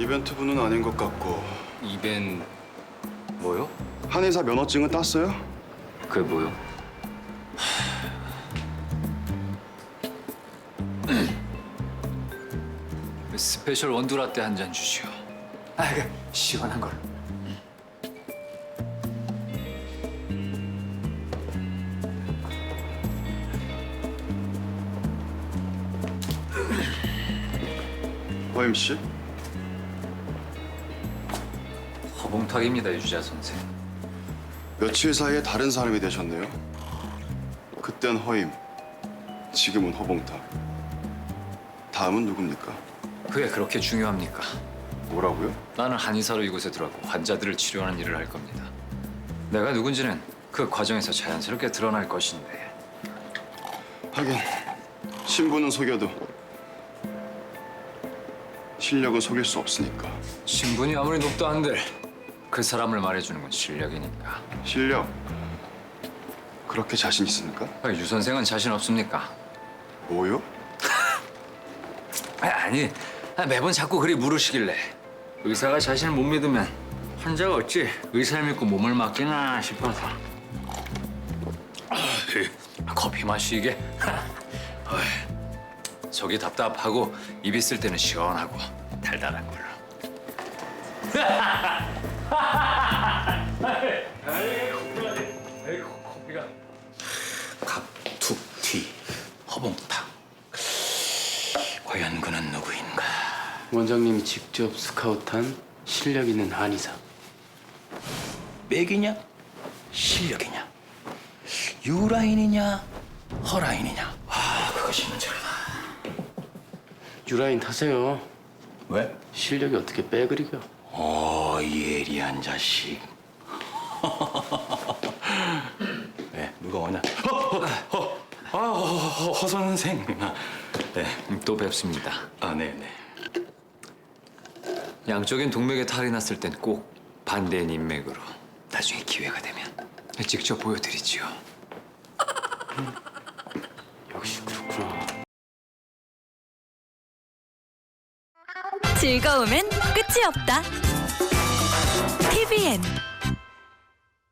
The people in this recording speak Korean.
이벤트 부는 아닌 것 같고. 뭐요? 한의사 면허증은 땄어요? 그게 뭐요? 스페셜 원두라떼 한 잔 주시오. 그 시원한 걸. 허임 씨? 허봉탁입니다, 유지아 선생. 며칠 사이에 다른 사람이 되셨네요. 그땐 허임, 지금은 허봉탁. 다음은 누굽니까? 그게 그렇게 중요합니까? 뭐라고요? 나는 한의사로 이곳에 들어왔고 환자들을 치료하는 일을 할 겁니다. 내가 누군지는 그 과정에서 자연스럽게 드러날 것인데. 하긴 신부는 속여도 실력은 속일 수 없으니까. 신분이 아무리 높다 한들 그 사람을 말해주는 건 실력이니까. 실력 그렇게 자신 있습니까? 유 선생은 자신 없습니까? 뭐요? 아니, 매번 자꾸 그리 물으시길래 의사가 자신을 못 믿으면 환자가 어찌 의사를 믿고 몸을 맡기나 싶어서. 커피 마시게. 속이 답답하고 입 있을 때는 시원하고 달달한 걸로. 커피가. 갑툭튀 허봉탁. 과연 그는 누구인가? 원장님이 직접 스카우트한 실력 있는 한의사. 맥이냐? 실력이냐? 유라인이냐? 허라인이냐? 그것이 문제다. 유라인 타세요. 왜? 실력이 어떻게 빼그리겨? 예리한 자식. 왜? 누가 오냐? 허 선생. 네. 또 뵙습니다. 네네. 양쪽엔 동맥에 탈이 났을 땐 꼭 반대인 인맥으로 나중에 기회가 되면 직접 보여드리지요. 역시 그렇구나. 즐거움엔 끝이 없다. TVN